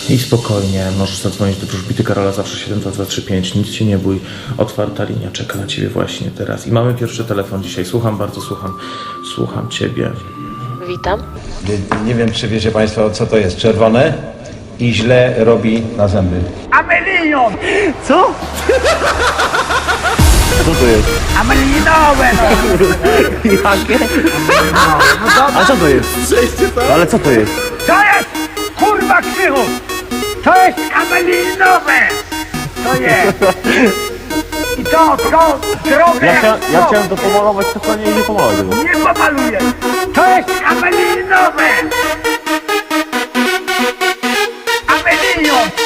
I spokojnie, możesz zadzwonić do wróżbity Karola, zawsze 72235, nic się nie bój, otwarta linia czeka na ciebie właśnie teraz. I mamy pierwszy telefon dzisiaj, bardzo słucham ciebie. Witam. Nie wiem, czy wiecie Państwo, co to jest czerwone i źle robi na zęby. Amelinion! Co? Co to jest? Amelinowe! Jakie? A co to jest? Ale co to jest? To jest kurwa krzychu! To jest amelinowe! To jest! I to drogę Ja chciałem to pomalować, tylko nie pomalować tego. nie pomaluję! To jest amelinowe! Amelinion!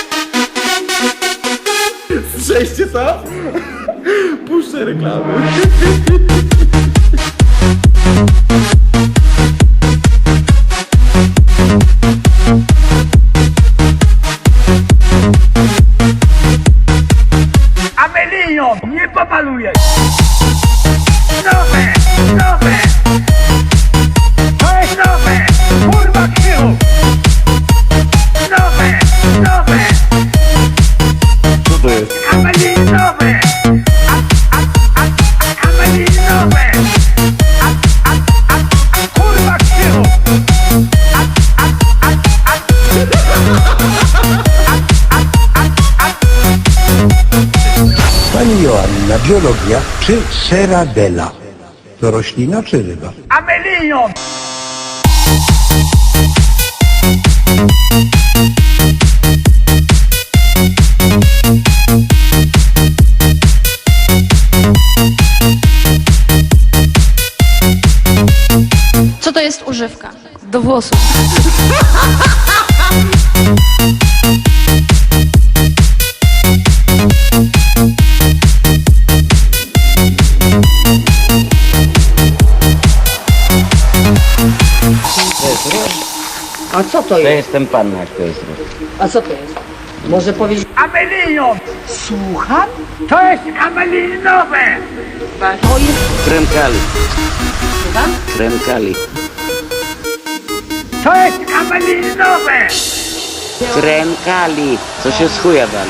Słyszeliście to? Puszczę reklamy. Amelinion! Nie pomaluję! Nowe! Nowe! To jest nowe! Kurwa krzychu! Nowe! Nowe! Co to jest? Amelinowe! Amelinowe! Kurwa krzychu! Pani Joanna, biologia czy Serradella? To roślina czy ryba? Amelinion! Co to jest używka? Do włosów. A co to To jest? jestem panna, jak to jest. A co to jest? Może powiedzieć... Amelinion! Słucham? To jest amelinowe! To jest... Krem kali. Słucham? Krem kali. To jest amelinowe! Krem kali. Co się z chuja dali.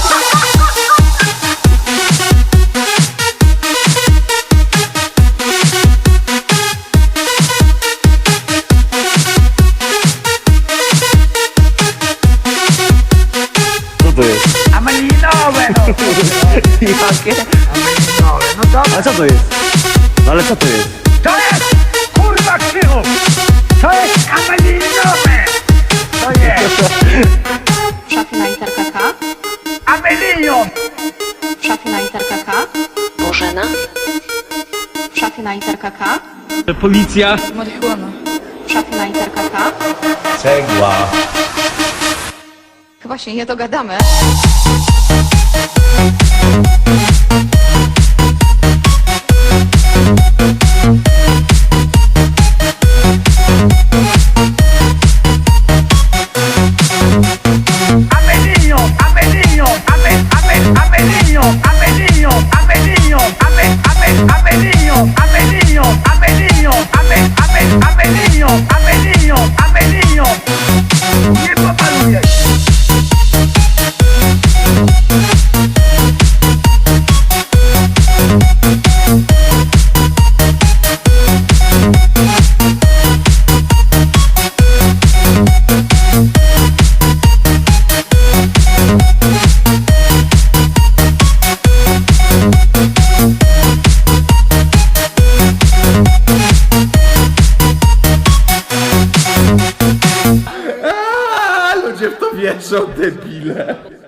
Co to jest? Amelinowe! No. Jakie? Amelinowe, no dobra. A co to jest? Ale co to jest? To jest kurwa krzychu! To jest amelinowe! To jest W szafie na literkę K. amelinion! W szafie na literkę K. Bożena. W szafie na literkę K. Policja. Marihuana. W szafie na literkę K. Cegła. Chyba się nie dogadamy. Amelinion! Amelinion! Amelinion! Amelinion! Amelinion! Amelinion! Amelinion! Amelinion! Amelinion! Amelinion! Nie pomaluję! Ludzie w to wierzą, debile.